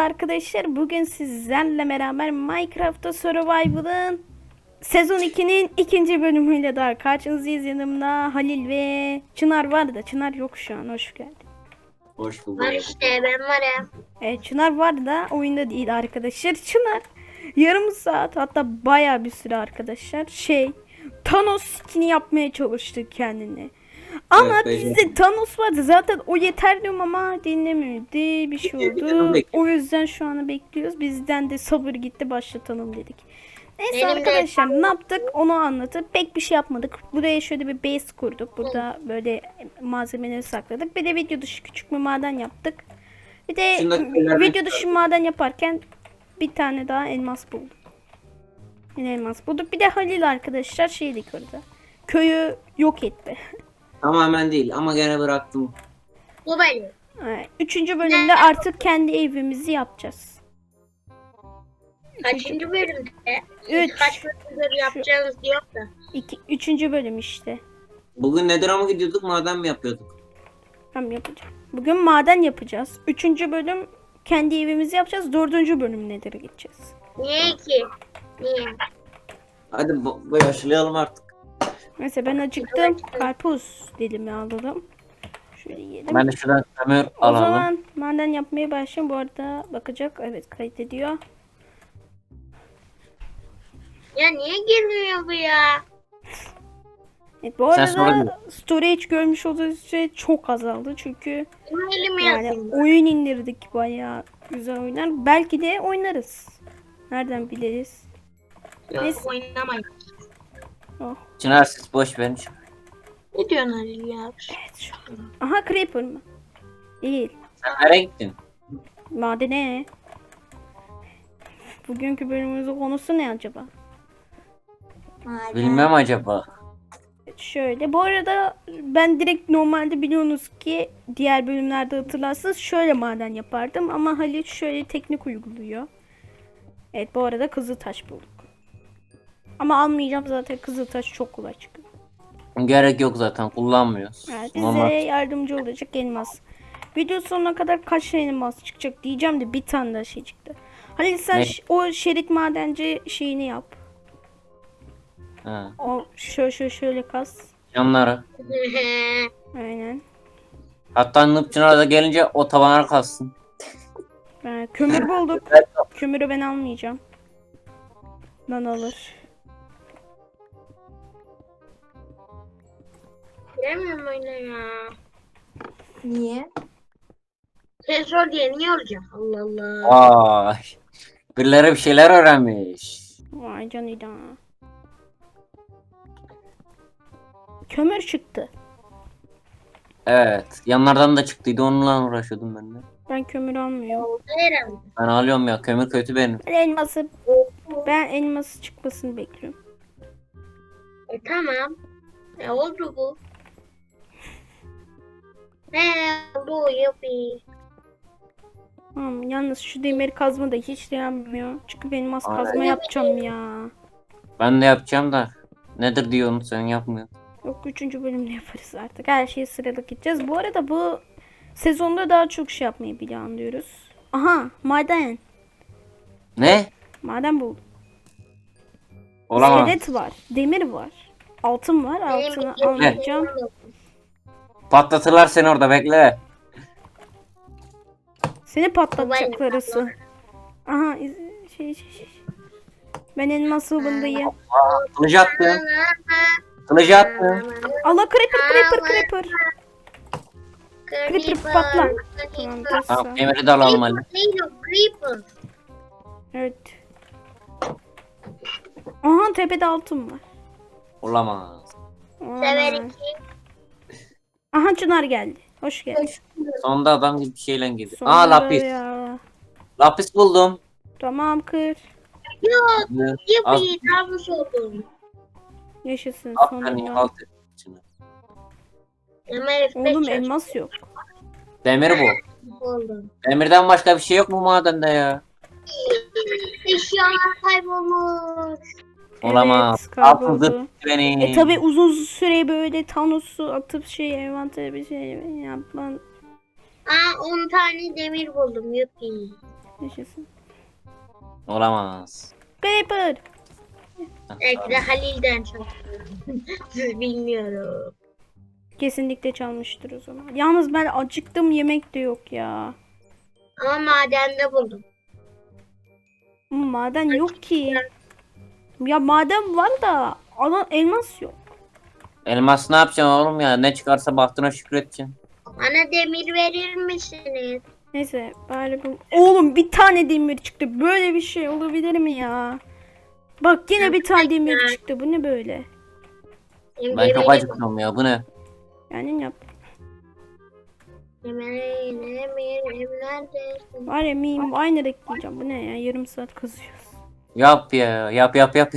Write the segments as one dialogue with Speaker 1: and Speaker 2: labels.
Speaker 1: arkadaşlar. Bugün sizlerle beraber Minecraft'ta Survival'ın Sezon 2'nin ikinci bölümüyle daha karşınızdayız. Yanımda Halil ve Çınar var da Çınar yok şu an. Hoş geldin.
Speaker 2: Hoş bulduk.
Speaker 3: Var işte ben varım.
Speaker 1: Evet, Çınar var da oyunda değil arkadaşlar. Çınar yarım saat hatta bayağı bir süre arkadaşlar Thanos skin'i yapmaya çalıştı kendini. Ama
Speaker 2: Evet,
Speaker 1: bizde Thanos vardı zaten, o yeter diyorum ama dinlemiyordu, bir şey oldu. O yüzden şu anı bekliyoruz. Bizden de sabır gitti, başlatalım dedik. Neyse
Speaker 3: Benim de
Speaker 1: arkadaşlar, ne yaptık onu anlatıp pek bir şey yapmadık. Buraya şöyle bir base kurduk. Burada böyle malzemeleri sakladık. Bir de video dışı küçük bir maden yaptık. Bir de video dışı maden yaparken bir tane daha elmas bulduk. Yine elmas bulduk. Bir de Halil arkadaşlar şeydik orada. Köyü yok etti.
Speaker 2: Tamamen değil ama gene bıraktım.
Speaker 3: Bu benim.
Speaker 1: Evet, üçüncü bölümde artık kendi evimizi yapacağız.
Speaker 3: Kaçıncı bölümde?
Speaker 1: Üç.
Speaker 3: Kaç bölümde yapacağınız diyor da.
Speaker 1: Üçüncü bölüm işte.
Speaker 2: Bugün Nether'a mı gidiyorduk, maden mi yapıyorduk?
Speaker 1: Tamam, yapacağım. Bugün maden yapacağız. Üçüncü bölüm kendi evimizi yapacağız. Dördüncü bölüm nedir gideceğiz.
Speaker 3: Niye ki? Niye?
Speaker 2: Hadi başlayalım artık.
Speaker 1: Neyse ben acıktım. Karpuz dilimi alalım. Şöyle yiyelim.
Speaker 2: Ben de şuradan kömür
Speaker 1: O
Speaker 2: alalım.
Speaker 1: zaman maden yapmaya başlayayım. Bu arada bakacak. Evet, kaydediyor.
Speaker 3: Ya niye girmiyor bu ya?
Speaker 1: Evet, bu
Speaker 2: Sen sonra
Speaker 1: arada storage görmüş olduğunuz şey çok azaldı. Çünkü
Speaker 3: Bunu elime
Speaker 1: yani
Speaker 3: yapayım.
Speaker 1: oyun indirdik, bayağı güzel oynar. Belki de oynarız. Nereden biliriz? Neyse.
Speaker 3: Oynamayın.
Speaker 1: Oh.
Speaker 2: Çınar siz boş verin.
Speaker 3: Ne diyorsun Halil ya?
Speaker 1: Evet şu an. Aha, creeper mı? Değil.
Speaker 2: Sen nereye gittin?
Speaker 1: Madene. Bugünkü bölümümüzün konusu ne acaba?
Speaker 2: Bilmem acaba.
Speaker 1: Şöyle, bu arada ben direkt normalde biliyorsunuz ki diğer bölümlerde hatırlarsınız şöyle maden yapardım ama Halil şöyle teknik uyguluyor. Evet, bu arada kızıltaş bulduk. Ama almayacağım, zaten kızıltaş çok kolay çıkıyor.
Speaker 2: Gerek yok zaten, kullanmıyoruz.
Speaker 1: Evet, bize yardımcı olacak elmas. Video sonuna kadar kaç tane elmas çıkacak diyeceğim de bir tane daha şey çıktı. Halil sen
Speaker 2: Ne?
Speaker 1: o şerit madenci şeyini yap.
Speaker 2: Ha.
Speaker 1: O şöyle kas.
Speaker 2: Yanlara.
Speaker 1: Aynen.
Speaker 2: Hatta Nıp Çınar da gelince o tavana kalsın.
Speaker 1: Kömür bulduk. Kömürü ben almayacağım. Ben alır.
Speaker 3: Giremiyorum oyuna ya.
Speaker 4: Niye?
Speaker 3: Sen sor diye niye olacak? Allah Allah.
Speaker 2: Vay. Birileri bir şeyler öğrenmiş.
Speaker 1: Vay canına. Kömür çıktı.
Speaker 2: Evet. Yanlardan da çıktıydı, onunla uğraşıyordum ben de.
Speaker 1: Ben kömür almıyorum.
Speaker 3: Oldu herhalde.
Speaker 2: Ben alıyorum ya, kömür kötü benim.
Speaker 1: Ben elması çıkmasını bekliyorum.
Speaker 3: Tamam. Oldu bu. Oldu yapayım.
Speaker 1: Tamam, yalnız şu demir kazma da hiç dayanmıyor. Çünkü benim elmas
Speaker 2: Aynen.
Speaker 1: kazma yapacağım ya.
Speaker 2: Ben de yapacağım da. Nedir diyorsun sen, yapmıyorsun.
Speaker 1: Yok, 3. bölümde yaparız artık. Her şeyi sıralı gideceğiz. Bu arada bu sezonda daha çok şey yapmayı planlıyoruz. Aha, maden.
Speaker 2: Ne?
Speaker 1: Maden buldum.
Speaker 2: Olamaz.
Speaker 1: İskelet var. Demir var. Altın var. Altını
Speaker 3: Benim
Speaker 1: almayacağım.
Speaker 2: Patlatırlar seni orada, bekle.
Speaker 1: Seni patlatacaklar asıl. Aha, şey. Ben elmas hıvındayım.
Speaker 2: Kılıcı attım. Kılıcı attım.
Speaker 1: Allah, creeper. Creeper patla. Tamam, dur
Speaker 2: Tamam,
Speaker 1: sen.
Speaker 2: demiri de alalım Ali.
Speaker 3: Creeper.
Speaker 1: Evet. Aha, tepede altın var.
Speaker 2: Olamaz.
Speaker 3: Severim
Speaker 1: Olamaz.
Speaker 3: ki.
Speaker 1: Aha, Çınar geldi. Hoş geldin.
Speaker 2: Sonunda adam gibi bir şeyle girdi.
Speaker 1: Sonunda
Speaker 2: Lapis.
Speaker 1: ya.
Speaker 2: Lapis buldum.
Speaker 1: Tamam, kır.
Speaker 3: Yok.
Speaker 2: Az
Speaker 3: Yapayım. Tavus oldum.
Speaker 1: Yaşasın
Speaker 2: aferin,
Speaker 1: sonunda.
Speaker 2: alt içine.
Speaker 1: Oğlum, elmas yok.
Speaker 2: Demir bu.
Speaker 3: Oldum.
Speaker 2: Demirden başka bir şey yok mu madende ya?
Speaker 3: Eşyalar kaybolmuş.
Speaker 2: Olamaz.
Speaker 1: Evet, kayboldu.
Speaker 2: Altın beni.
Speaker 1: Tabi uzun süre böyle Thanos'u atıp envantere bir şey yapman.
Speaker 3: 10 tane demir buldum. Yapayım.
Speaker 1: Yaşasın.
Speaker 2: Olamaz.
Speaker 1: Creeper.
Speaker 3: Belki de Halil'den çok. Siz bilmiyorum.
Speaker 1: Kesinlikle çalmıştır o zaman. Yalnız ben acıktım, yemek de yok ya.
Speaker 3: Ama madende buldum.
Speaker 1: Maden yok ki. Ya maden var da elmas yok.
Speaker 2: Elmas ne yapacaksın oğlum ya? Ne çıkarsa bahtına şükredeceksin.
Speaker 3: Bana demir verir misiniz?
Speaker 1: Neyse bari bu... Oğlum bir tane demir çıktı. Böyle bir şey olabilir mi ya? Bak yine bir tane demir çıktı. Bu ne böyle?
Speaker 2: Ben çok acıktım ya. Bu ne?
Speaker 1: Yani yap.
Speaker 3: Neredesin?
Speaker 1: Var ya miyim aynı renk diyeceğim. Bu ne ya? Yarım saat kazıyoruz.
Speaker 2: Yap ya. Yap.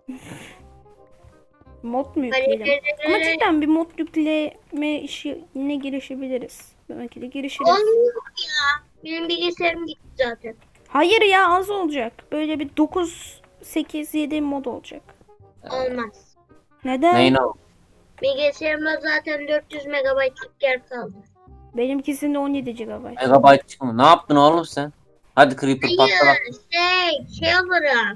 Speaker 1: Mod mu yükleyelim? Ama cidden bir mod yükleme işine girişebiliriz. Belki de girişiriz.
Speaker 3: Olmuyor ya. Benim bilgisayarım gitti zaten.
Speaker 1: Hayır ya az olacak. Böyle bir 9, 8, 7 mod olacak.
Speaker 3: Olmaz.
Speaker 1: Neden?
Speaker 2: Neyin o?
Speaker 3: Bilgisayarımda zaten 400 megabaytlık yer kaldı.
Speaker 1: Benimkisinde 17 GB.
Speaker 2: Megabyte çıkmıyor. Ne yaptın oğlum sen? Hadi Creeper patla bak.
Speaker 3: Hayır, şey olarak.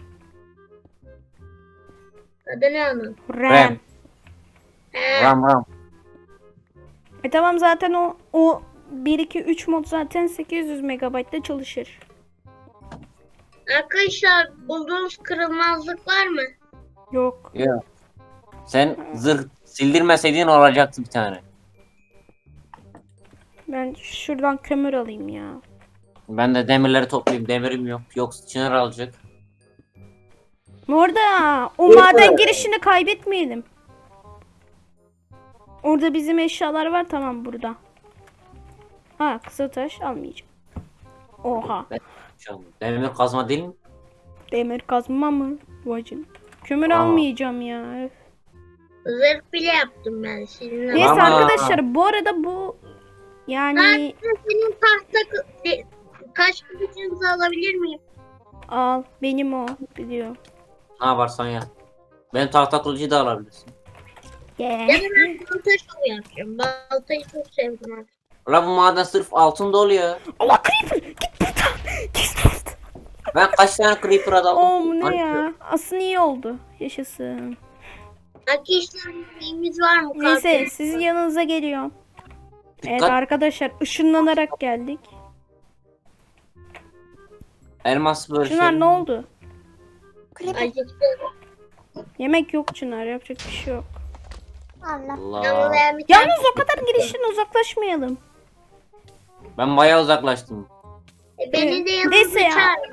Speaker 3: Adı ne onun?
Speaker 1: RAM.
Speaker 3: He,
Speaker 2: Ram.
Speaker 1: Tamam zaten o 1 2 3 mod zaten 800 MB'da çalışır.
Speaker 3: arkadaşlar bulduğunuz kırılmazlık var mı?
Speaker 1: Yok.
Speaker 2: Ya. Sen zırh sildirmeseydin olacaktı bir tane.
Speaker 1: Ben şuradan kömür alayım ya.
Speaker 2: Ben de demirleri toplayayım. Demirim yok. Yoksa Çınar alacak.
Speaker 1: Orada o maden girişini kaybetmeyelim. Orada bizim eşyalar var tamam burada. Ha kısa taş almayacağım. Oha.
Speaker 2: Şu an demir kazma değil mi?
Speaker 1: Demir kazma mı? Vacın. Kömür
Speaker 2: Aa.
Speaker 1: almayacağım ya. Öf.
Speaker 3: Zırh bile yaptım ben sizinle.
Speaker 1: Neyse
Speaker 2: Ama-
Speaker 1: arkadaşlar bu arada bu yani
Speaker 3: Senin tahta kaç kılıcınızı alabilir miyim?
Speaker 1: al benim o biliyorum.
Speaker 2: Ne yaparsan ya. Ben tahta kılıcı da alabilirsin.
Speaker 1: Yeah.
Speaker 3: Ya da ben balta şovu yapacağım. Baltayı çok sevdim artık.
Speaker 2: Ulan bu maden sırf altın dolu ya.
Speaker 1: Allah creeper git buradan. Git buradan.
Speaker 2: Ben kaç tane Creeper aldım?
Speaker 1: Oo bu ne ya? Aslında iyi oldu. Yaşasın.
Speaker 3: Arkadaşlar neyimiz var mı?
Speaker 1: Neyse
Speaker 3: Kalkın.
Speaker 1: sizin yanınıza geliyorum. Evet
Speaker 2: Dikkat.
Speaker 1: arkadaşlar ışınlanarak geldik.
Speaker 2: Elmas böyle
Speaker 1: Çınar
Speaker 2: şey.
Speaker 1: ne oldu?
Speaker 3: Acıktım.
Speaker 1: Yemek yok Çınar yapacak bir şey yok.
Speaker 4: Allah.
Speaker 3: Ama
Speaker 2: Allah.
Speaker 3: ben bir tane
Speaker 1: Yalnız o kadar girişten uzaklaşmayalım.
Speaker 2: Ben bayağı uzaklaştım.
Speaker 3: beni de yanınıza
Speaker 1: Neyse ya.
Speaker 3: çağırın.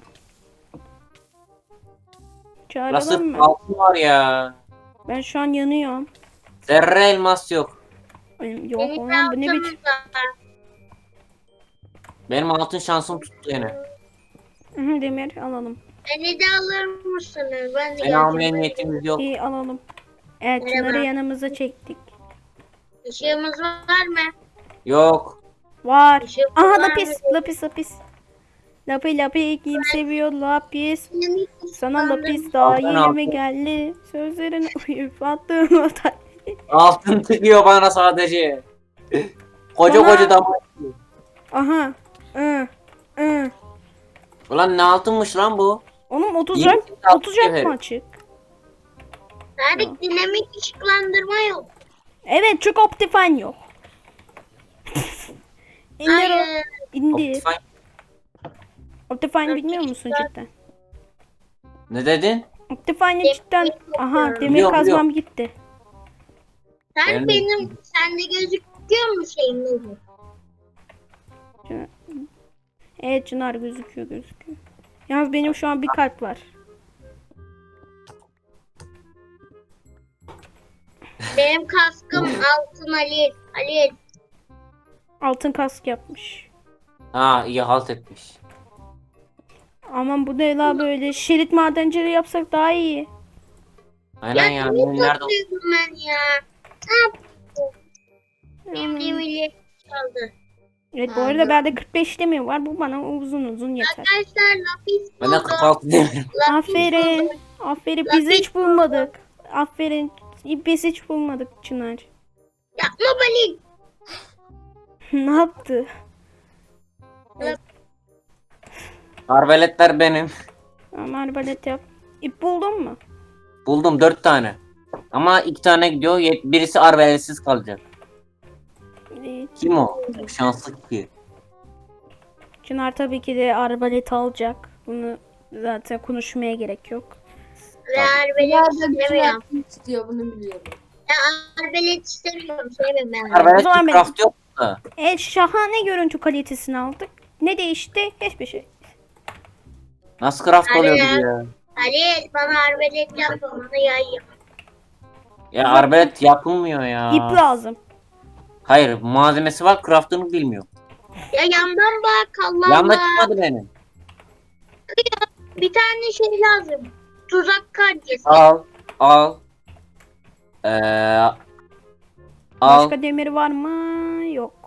Speaker 2: La
Speaker 1: Çağıralım
Speaker 2: sırf
Speaker 1: mı?
Speaker 2: altın var ya.
Speaker 1: Ben şu an yanıyorum.
Speaker 2: Zerre elmas yok.
Speaker 1: Yok
Speaker 3: Beni
Speaker 1: oğlum
Speaker 3: de
Speaker 1: bu ne biçim?
Speaker 3: altınıza.
Speaker 2: Benim altın şansım tuttu yine.
Speaker 1: Hı, demir alalım.
Speaker 3: Beni de alır mısınız? Ben de
Speaker 2: Seni almaya
Speaker 3: geleceğim.
Speaker 2: niyetimiz yok.
Speaker 1: İyi alalım. Evet
Speaker 3: Merhaba.
Speaker 1: Çınar'ı yanımıza çektik.
Speaker 3: Işığımız var mı?
Speaker 2: Yok.
Speaker 1: Var.
Speaker 3: Işığımız
Speaker 1: Aha
Speaker 3: var
Speaker 1: lapis
Speaker 3: mı?
Speaker 1: lapis. Lapi kim seviyor lapis.
Speaker 3: Benim hiç
Speaker 1: Sana
Speaker 3: ıslandım.
Speaker 1: lapis daha
Speaker 2: Altın
Speaker 1: yeni
Speaker 2: altın.
Speaker 1: mi geldi? Sözlerin uyup attığın o ta-
Speaker 2: Altın tıkıyor bana sadece. Koca
Speaker 1: Bana-
Speaker 2: koca damar.
Speaker 1: Aha. Hı.
Speaker 2: Ulan ne altınmış lan bu?
Speaker 1: Onun 30
Speaker 2: Yirmi
Speaker 1: rak,
Speaker 2: altı
Speaker 1: 30 rak
Speaker 2: cevher.
Speaker 1: mı açık?
Speaker 3: Tarık dinamik ışıklandırma yok.
Speaker 1: Evet çünkü Optifine yok. İndir o.
Speaker 3: Hayır.
Speaker 1: İndir.
Speaker 2: Optifine.
Speaker 1: Optifine bilmiyor musun cidden?
Speaker 2: Ne dedin?
Speaker 1: Optifine'i cidden... Aha demir
Speaker 2: Biliyorum,
Speaker 1: kazmam gitti.
Speaker 3: Tarık
Speaker 2: Yani-
Speaker 3: benim sende gözüküyor mu şeyim bu?
Speaker 1: Evet Çınar gözüküyor. Yalnız benim şu an bir kalp var.
Speaker 3: Benim kaskım altın Halil. Halil.
Speaker 1: Altın kask yapmış.
Speaker 2: Ha iyi halt etmiş.
Speaker 1: Aman bu ne la böyle şerit madenciliği yapsak daha iyi.
Speaker 2: Aynen ya.
Speaker 3: Demir
Speaker 2: Benim nerede?
Speaker 3: topluyordum ben ya. Ne yaptım? Benim demirleri çaldı.
Speaker 1: Evet bu arada bende 45 demir var. Bu bana uzun yeter.
Speaker 3: Arkadaşlar lapis
Speaker 2: Ben de
Speaker 3: buldum.
Speaker 2: 46 demirim.
Speaker 3: Lapis
Speaker 1: Aferin.
Speaker 3: buldum.
Speaker 1: Aferin biz hiç bulmadık. Aferin. Biz hiç bulmadık Çınar.
Speaker 3: Yapma Halil.
Speaker 1: Ne yaptı?
Speaker 2: Arbeletler benim.
Speaker 1: Ama arbalet yap. İp buldun mu?
Speaker 2: Buldum 4 tane. Ama 2 tane gidiyor. Birisi arbeletsiz kalacak.
Speaker 1: İyi.
Speaker 2: Kim o? Şanslı ki.
Speaker 1: Çınar tabii ki de arbalet alacak. Bunu zaten konuşmaya gerek yok.
Speaker 3: Ve arbelet
Speaker 4: Bunlar da bütün
Speaker 3: istemiyorum.
Speaker 4: herkes istiyor, bunu biliyorum.
Speaker 3: Ya arbelet istemiyorum. Sevmiyorum ben.
Speaker 1: O
Speaker 2: Arbelet
Speaker 1: zaman benim.
Speaker 2: craft yok da.
Speaker 1: Şahane görüntü kalitesini aldık. Ne değişti? Hiçbir şey.
Speaker 2: Nasıl craft
Speaker 3: Hadi
Speaker 2: oluyor
Speaker 3: ya.
Speaker 2: bu ya?
Speaker 3: Halil bana arbelet yapma. Bana yay yap.
Speaker 2: Ya arbelet yapılmıyor ya.
Speaker 1: İp lazım.
Speaker 2: Hayır malzemesi var craftını bilmiyor.
Speaker 3: Ya yandan bak Allah
Speaker 2: Yanına
Speaker 3: Allah.
Speaker 2: çıkmadı benim.
Speaker 3: Bir tane şey lazım. Tuzak kancası.
Speaker 2: Al. Ee, al.
Speaker 1: Başka demir var mı? Yok.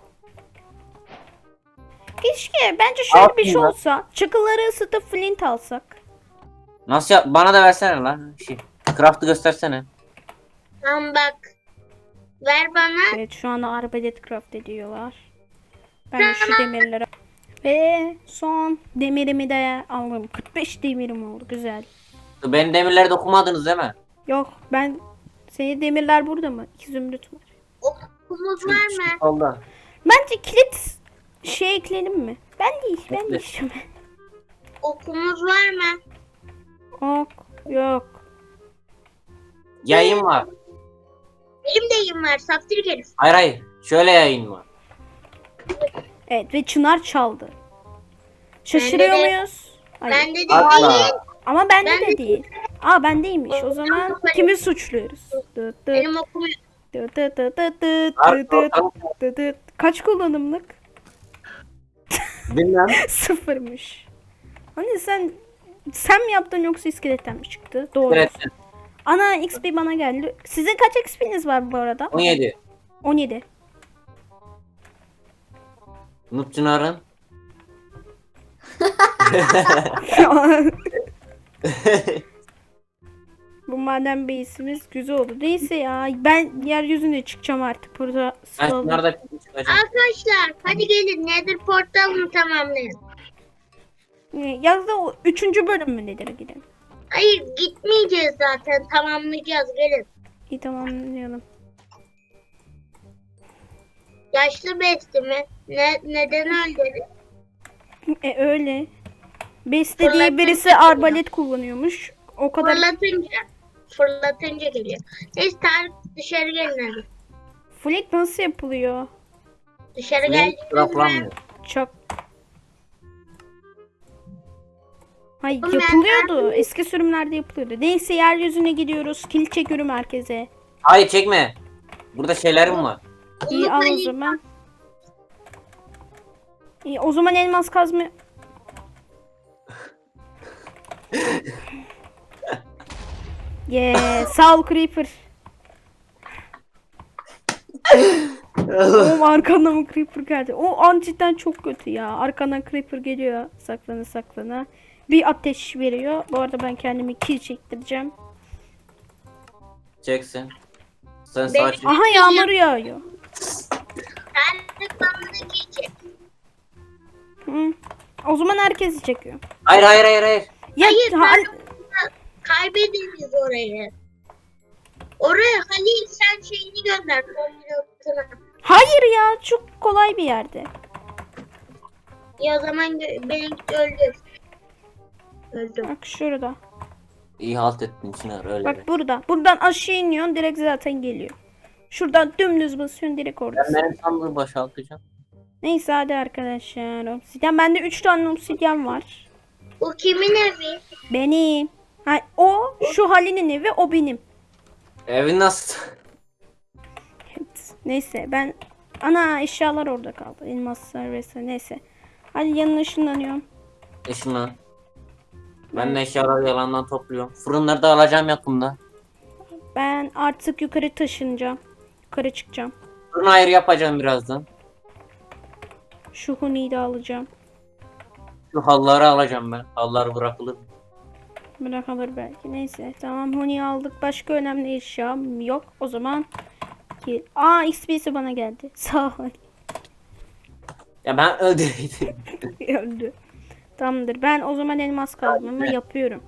Speaker 1: Keşke bence şöyle
Speaker 2: Al
Speaker 1: bir şey
Speaker 2: şunu.
Speaker 1: olsa. Çakılları ısıtıp flint alsak.
Speaker 2: Nasıl yap? Bana da versene lan. Craft'ı göstersene.
Speaker 3: Tamam bak. Ver bana.
Speaker 1: Evet şu anda arbalet craft ediyorlar. Ben şu demirleri ve son demirimi de aldım. 45 demirim oldu. Güzel.
Speaker 2: Benim demirleri dokumadınız değil mi?
Speaker 1: Yok ben senin demirler burada mı? 2 zümrüt var.
Speaker 3: Okumuz var mı?
Speaker 2: Solda.
Speaker 1: Bence kilit şey ekleyelim mi? Ben
Speaker 2: Ekle.
Speaker 1: değişim.
Speaker 3: Okumuz var mı?
Speaker 1: Ok yok.
Speaker 2: Yayın var.
Speaker 3: Benim de yayım var. Saftir herif.
Speaker 2: Hayır. Şöyle yayın var.
Speaker 1: Evet ve Çınar çaldı. Şaşırıyor
Speaker 3: Bende de-
Speaker 1: muyuz? Hayır.
Speaker 3: Bende de değil.
Speaker 2: Asla.
Speaker 1: Ama bende
Speaker 3: Ben
Speaker 1: de
Speaker 3: de-
Speaker 1: değil. Aa bendeymiş. O zaman kimi suçluyoruz? Dıt dıt,
Speaker 3: Benim okum yok.
Speaker 1: dıt dıt dıt dıt dıt
Speaker 2: Artık
Speaker 1: dıt
Speaker 2: ortalık
Speaker 1: dıt dıt. Kaç kullanımlık?
Speaker 2: bilmem.
Speaker 1: Sıfırmış. Hani sen mi yaptın yoksa iskeletten mi çıktı? Doğru.
Speaker 2: Evet.
Speaker 1: Ana XP bana geldi. Sizin kaç XP'niz var bu arada?
Speaker 2: 17.
Speaker 1: 17.
Speaker 2: Nupçınar'ın.
Speaker 1: Bu maden base'imiz güzel oldu. Neyse ya ben yeryüzüne çıkacağım artık. Burada
Speaker 2: Ben
Speaker 1: sıkıldım.
Speaker 2: şunlarda çıkacağım.
Speaker 3: Arkadaşlar hadi gelin. Nether portalını tamamlayın.
Speaker 1: Yazda o 3. bölüm mü nedir gidelim?
Speaker 3: Hayır gitmeyeceğiz zaten. Tamamlayacağız. Gelin.
Speaker 1: İyi tamamlayalım.
Speaker 3: Yaşlı besti mi? Neden öldü?
Speaker 1: Öyle. Beste diye
Speaker 3: Fırlatınca
Speaker 1: birisi
Speaker 3: geliyor.
Speaker 1: arbalet kullanıyormuş. O kadar.
Speaker 3: Fırlatınca geliyor. Neyse Tarık dışarı gelin hadi.
Speaker 1: Flint nasıl yapılıyor?
Speaker 3: Dışarı
Speaker 2: Benim
Speaker 3: geldiniz mi?
Speaker 2: craftlanmıyor.
Speaker 1: Çok. Hayır
Speaker 3: Oğlum ben
Speaker 1: yapılıyordu. Eski sürümlerde yapılıyordu. Neyse yeryüzüne gidiyoruz. Kilit çekiyorum herkese.
Speaker 2: Hayır çekme. Burada şeylerim var.
Speaker 1: İyi al o zaman. İyi o zaman elmas kazma. Sağ ol Creeper. Oğlum arkandan mı Creeper geldi? O an cidden çok kötü ya. Arkandan Creeper geliyor. Saklana. Bir ateş veriyor. Bu arada ben kendimi kill çektireceğim.
Speaker 2: Çeksin. Sen
Speaker 3: Benim-
Speaker 2: sağa çek.
Speaker 1: Aha yağmur yağıyor.
Speaker 3: Tarık bana da geçecek.
Speaker 1: Hı. O zaman herkesi çekiyor.
Speaker 2: Hayır.
Speaker 1: Ya,
Speaker 3: Hayır
Speaker 1: ha-
Speaker 3: kaybederiz orayı. Oraya Halil sen şeyini gönder. Koordinatını.
Speaker 1: hayır ya çok kolay bir yerde.
Speaker 3: Ya o zaman benimki öldü. Öldüm.
Speaker 1: Bak şurada.
Speaker 2: İyi halt ettin Çınar öyle.
Speaker 1: Bak burada. Buradan aşağı iniyorsun direkt zaten geliyor. Şuradan dümdüz basıyorsun direkt
Speaker 2: Ben
Speaker 1: oradasın.
Speaker 2: benim sandığı boşaltacağım.
Speaker 1: Neyse hadi arkadaşlar. Obsidyen. Bende 3 tane obsidyen var.
Speaker 3: Bu kimin evi?
Speaker 1: Benim. Ha, o şu Halil'in evi o benim.
Speaker 2: Evin nasıl?
Speaker 1: Evet. Neyse ben ana eşyalar orada kaldı. Elmaslar vesaire neyse. Hadi yanına ışınlanıyorum.
Speaker 2: Eşimle. Ben de eşyaları yalandan topluyorum. Fırınları da alacağım yakında.
Speaker 1: Ben artık yukarı taşınacağım. Yukarı çıkacağım.
Speaker 2: Fırın ayrı yapacağım birazdan.
Speaker 1: Şu huniyi de alacağım.
Speaker 2: Şu halları alacağım ben. Hallar bırakılır.
Speaker 1: Bırakılır belki. Neyse tamam huniyi aldık. Başka önemli eşyam yok. O zaman ki XP'si bana geldi. Sağ ol.
Speaker 2: Ya ben öldürdüm.
Speaker 1: Öldü. Tamamdır. Ben o zaman elmas kazmamı
Speaker 2: Evet.
Speaker 1: yapıyorum.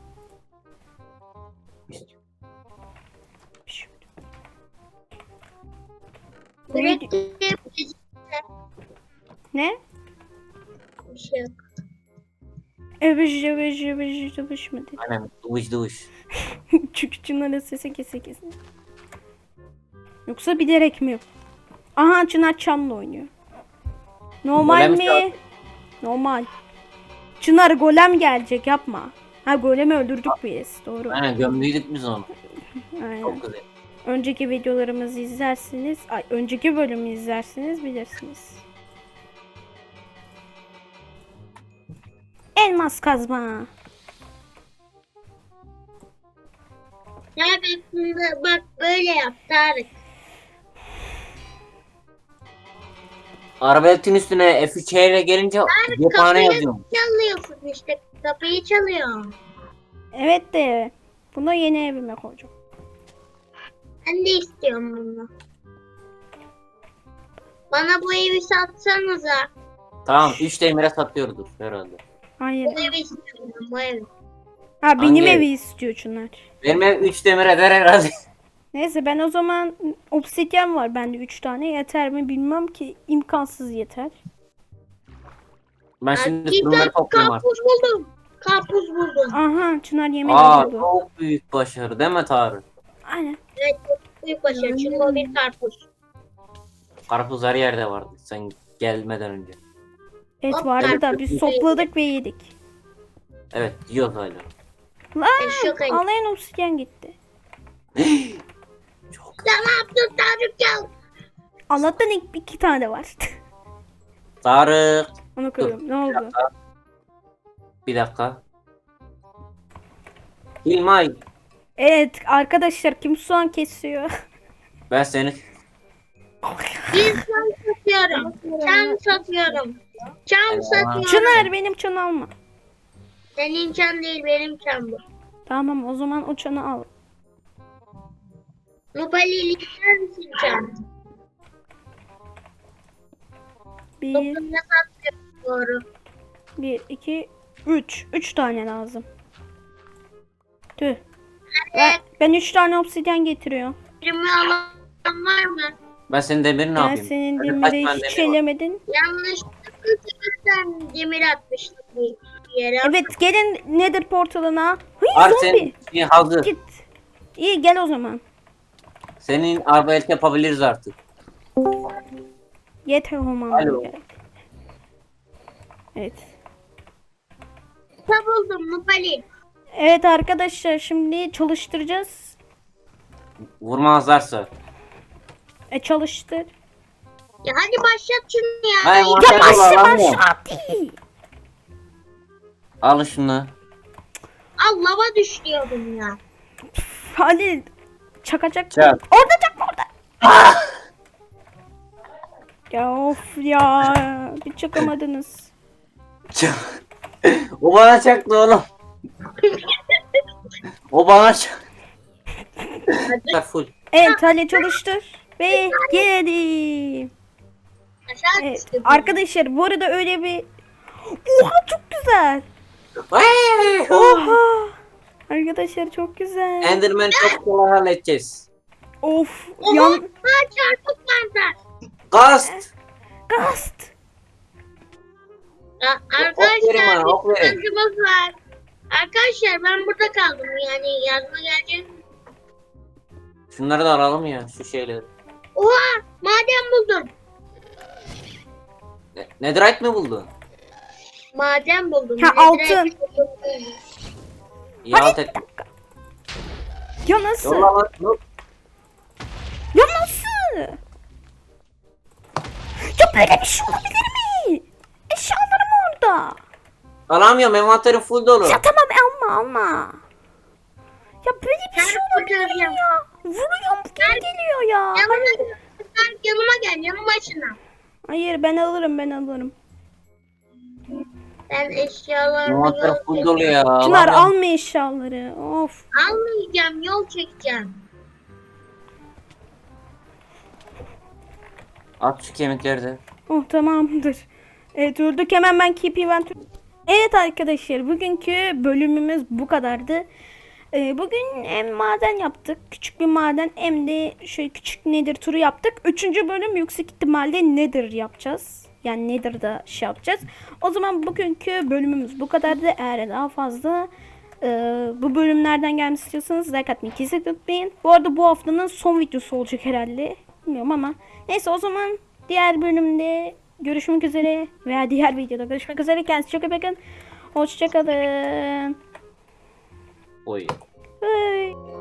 Speaker 1: Bu video-
Speaker 3: Mürekkep
Speaker 1: Ne?
Speaker 3: bir şey yok.
Speaker 1: Övüş mü dedi?
Speaker 2: Aynen duş.
Speaker 1: Çünkü Çınar'ın sesi kesin. Yoksa bilerek mi? Aha Çınar Çam'la oynuyor. Normal
Speaker 2: Golem
Speaker 1: mi?
Speaker 2: çağır.
Speaker 1: Normal. Çınar golem gelecek yapma. Ha golemi öldürdük biz. Doğru.
Speaker 2: Aynen gömdüydük biz onu.
Speaker 1: Aynen.
Speaker 2: Çok güzel.
Speaker 1: Önceki videolarımızı izlersiniz. Önceki bölümü izlersiniz bilirsiniz. Elmas kazma.
Speaker 3: Ya bak böyle yap Tarık.
Speaker 2: Arbaletin üstüne F3 ile gelince cephane
Speaker 3: Kapıyı
Speaker 2: yazıyorum.
Speaker 3: çalıyorsun işte. Kapıyı çalıyor.
Speaker 1: Evet de bunu yeni evime koyacağım.
Speaker 3: Ben de istiyorum bunu. Bana bu evi satsanıza.
Speaker 2: Tamam 3 demire satıyordur herhalde.
Speaker 1: Hayır.
Speaker 3: Bu evi istiyorum bu evi.
Speaker 1: Ha benim
Speaker 2: Hangi
Speaker 1: evi
Speaker 2: ev?
Speaker 1: istiyor Çınar.
Speaker 2: Benim ev 3 demir eder herhalde.
Speaker 1: Neyse ben o zaman obsidyen var bende 3 tane yeter mi bilmem ki imkansız yeter.
Speaker 2: Ben şimdi
Speaker 3: Bir
Speaker 2: fırınları topluyorum artık.
Speaker 3: karpuz buldum. Karpuz buldum.
Speaker 1: Aha Çınar yemeği
Speaker 2: Aa
Speaker 1: buldu.
Speaker 2: çok büyük başarı değil mi Tarık?
Speaker 1: Aynen.
Speaker 3: Evet çok büyük başarı. Çünkü o bir karpuz.
Speaker 2: Karpuz her yerde vardı sen gelmeden önce.
Speaker 1: Et
Speaker 3: Hop,
Speaker 1: vardı da
Speaker 3: karpuz
Speaker 1: biz
Speaker 3: yedik.
Speaker 1: sopladık ve yedik.
Speaker 2: Evet yiyoruz hala.
Speaker 1: Lan
Speaker 3: Çok ayıp.
Speaker 1: alayan obsidyen gitti.
Speaker 2: Çok.
Speaker 3: Sen ne yaptın Tarık ya?
Speaker 1: Allah'tan iki tane var.
Speaker 2: Tarık.
Speaker 1: Onu koyuyorum. Ne oldu?
Speaker 2: Bir dakika. İlmay.
Speaker 1: Evet arkadaşlar kim soğan kesiyor?
Speaker 2: Ben seni
Speaker 3: Bir çam satıyorum. Çam satıyorum. Çam satıyorum.
Speaker 1: Çınar benim çanı alma.
Speaker 3: Senin çam değil benim çam bu.
Speaker 1: Tamam o zaman o çanı al.
Speaker 3: Nubali ister misin çam?
Speaker 1: Bir,
Speaker 3: Toplumda satıyorum doğru.
Speaker 1: bir, iki, üç. 3 tane lazım. Tüh. Ben 3 tane obsidyen getiriyorum.
Speaker 3: Birimi alan var mı?
Speaker 2: ben senin demirini ne
Speaker 1: Ben
Speaker 2: yapayım?
Speaker 1: senin
Speaker 2: Bende kaç
Speaker 1: demiri
Speaker 2: tane
Speaker 1: hiç
Speaker 2: demir var?
Speaker 1: elemedin.
Speaker 3: Yanlışlıkla bir demir atmıştım bir yere.
Speaker 1: Evet gelin Nether portalına. Hıy
Speaker 2: Var
Speaker 1: zombi.
Speaker 2: senin şey hazır.
Speaker 1: Git. İyi gel o zaman.
Speaker 2: Senin arbalet yapabiliriz artık.
Speaker 1: Yeter olmam
Speaker 2: Alo.
Speaker 1: gerek. Evet.
Speaker 3: Ne buldum Nubali?
Speaker 1: Evet arkadaşlar şimdi çalıştıracağız.
Speaker 2: Vurmazlarsa.
Speaker 1: Çalıştır.
Speaker 3: Ya hadi başlat şunu ya.
Speaker 2: Hayır,
Speaker 1: Ya
Speaker 2: başla,
Speaker 1: başla
Speaker 2: alamıyorum.
Speaker 1: hadi.
Speaker 2: Al şunu.
Speaker 3: Al lava düşüyordum ya.
Speaker 1: Hadi. Çakacak.
Speaker 2: Çak.
Speaker 1: Orada çakma orada. Ya of ya. Bir çakamadınız.
Speaker 2: O bana çaktı oğlum. O bana çaktı. Full.
Speaker 1: Evet hadi çalıştır. Ve geldim.
Speaker 3: Aşağı
Speaker 1: Evet.
Speaker 3: düştüm.
Speaker 1: Arkadaşlar bu arada öyle bir... Oha çok güzel. Oha. Arkadaşlar çok güzel.
Speaker 2: Enderman çok kolay halledeceğiz.
Speaker 1: Of.
Speaker 3: Oha.
Speaker 1: Yan...
Speaker 3: Ha çarpık mantar.
Speaker 2: Gast.
Speaker 1: Gast.
Speaker 3: Ya,
Speaker 2: Ok verin
Speaker 3: arkadaşlar
Speaker 2: bana, ok
Speaker 3: bir
Speaker 2: verin.
Speaker 3: sıkıntımız var. Arkadaşlar ben burada kaldım yani yazma gelecek.
Speaker 2: Şunları da alalım ya şu şeyleri.
Speaker 3: Oha maden buldum.
Speaker 2: Netherite mi buldun?
Speaker 3: Maden buldum.
Speaker 1: Ha, altın.
Speaker 2: İyi halt ettim.
Speaker 1: Ya nasıl?
Speaker 2: Yolla lan. Yok.
Speaker 1: Ya nasıl? Ya böyle bir şey olabilir mi? Eşyalarım orada.
Speaker 2: Alamıyorum envanterim full dolu.
Speaker 1: Ya tamam alma. Ya böyle bir şey olabilir mi
Speaker 3: Kurtaracağım.
Speaker 1: ya? Vuruyorum geri geliyor ya.
Speaker 3: Yanıma gel yanım başına.
Speaker 1: Hayır ben alırım.
Speaker 3: Ben eşyalarımı
Speaker 2: Envanterim
Speaker 3: yol
Speaker 2: full
Speaker 3: çekeceğim.
Speaker 2: dolu ya.
Speaker 1: Çınar
Speaker 2: alamıyorum.
Speaker 1: alma eşyaları. Of.
Speaker 3: Almayacağım yol çekeceğim.
Speaker 2: At şu kemikleri de.
Speaker 1: Oh tamamdır. Evet öldük hemen ben keep event. Evet arkadaşlar, bugünkü bölümümüz bu kadardı. Bugün hem maden yaptık, küçük bir maden, hem de şöyle küçük Nether turu yaptık. Üçüncü bölüm yüksek ihtimalle Nether yapacağız. Yani Nether'da şey yapacağız. O zaman bugünkü bölümümüz bu kadardı. Eğer daha fazla bu bölümlerden gelmesi istiyorsanız like atmayı kesinlikle unutmayın. Bu arada bu haftanın son videosu olacak herhalde. Bilmiyorum ama. Neyse, o zaman diğer bölümde görüşmek üzere veya diğer videoda görüşmek üzere. Kendinize çok iyi bakın. Hoşçakalın.
Speaker 2: Oy.
Speaker 1: Bye.